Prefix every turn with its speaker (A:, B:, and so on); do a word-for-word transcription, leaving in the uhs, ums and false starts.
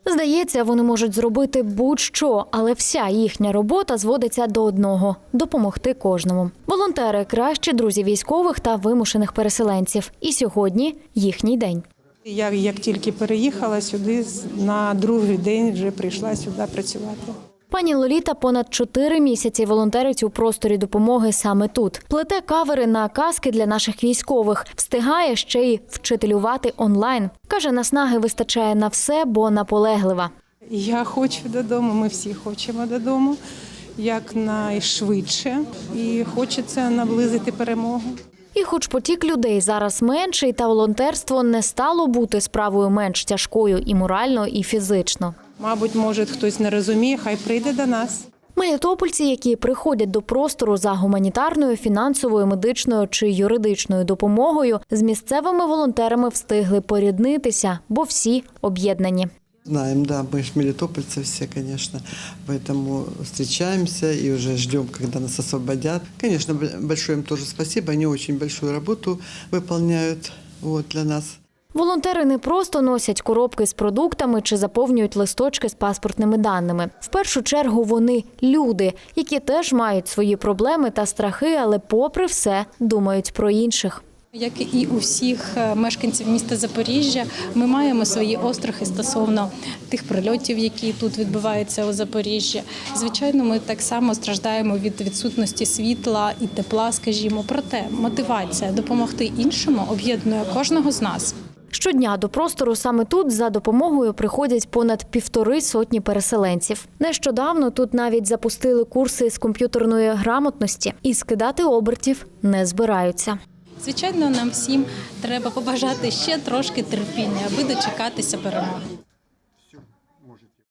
A: Здається, вони можуть зробити будь-що, але вся їхня робота зводиться до одного – допомогти кожному. Волонтери – кращі друзі військових та вимушених переселенців. І сьогодні їхній день.
B: Я як тільки переїхала сюди, на другий день вже прийшла сюди працювати.
A: Пані Лоліта понад чотири місяці волонтерить у просторі допомоги саме тут. Плете кавери на каски для наших військових. Встигає ще й вчителювати онлайн. Каже, наснаги вистачає на все, бо наполеглива.
B: Я хочу додому, ми всі хочемо додому, якнайшвидше. І хочеться наблизити перемогу.
A: І хоч потік людей зараз менший, та волонтерство не стало бути справою менш тяжкою і морально, і фізично.
B: Мабуть, може, хтось не розуміє, хай прийде до нас.
A: Мелітопольці, які приходять до простору за гуманітарною, фінансовою, медичною чи юридичною допомогою, з місцевими волонтерами встигли поріднитися, бо всі об'єднані.
C: Знаем, да, мы же мелитопольцы все, конечно, поэтому встречаемся и уже ждем, когда нас освободят. Конечно, большое им тоже спасибо, они очень большую работу выполняют вот, для нас.
A: Волонтери не просто носять коробки з продуктами чи заповнюють листочки з паспортними даними. В першу чергу вони – люди, які теж мають свої проблеми та страхи, але попри все думають про інших.
D: Як і у всіх мешканців міста Запоріжжя, ми маємо свої острахи стосовно тих прильотів, які тут відбуваються у Запоріжжі. Звичайно, ми так само страждаємо від відсутності світла і тепла, скажімо. Проте мотивація допомогти іншому об'єднує кожного з нас.
A: Щодня до простору саме тут за допомогою приходять понад півтори сотні переселенців. Нещодавно тут навіть запустили курси з комп'ютерної грамотності і скидати обертів не збираються.
D: Звичайно, нам всім треба побажати ще трошки терпіння, аби дочекатися перемоги.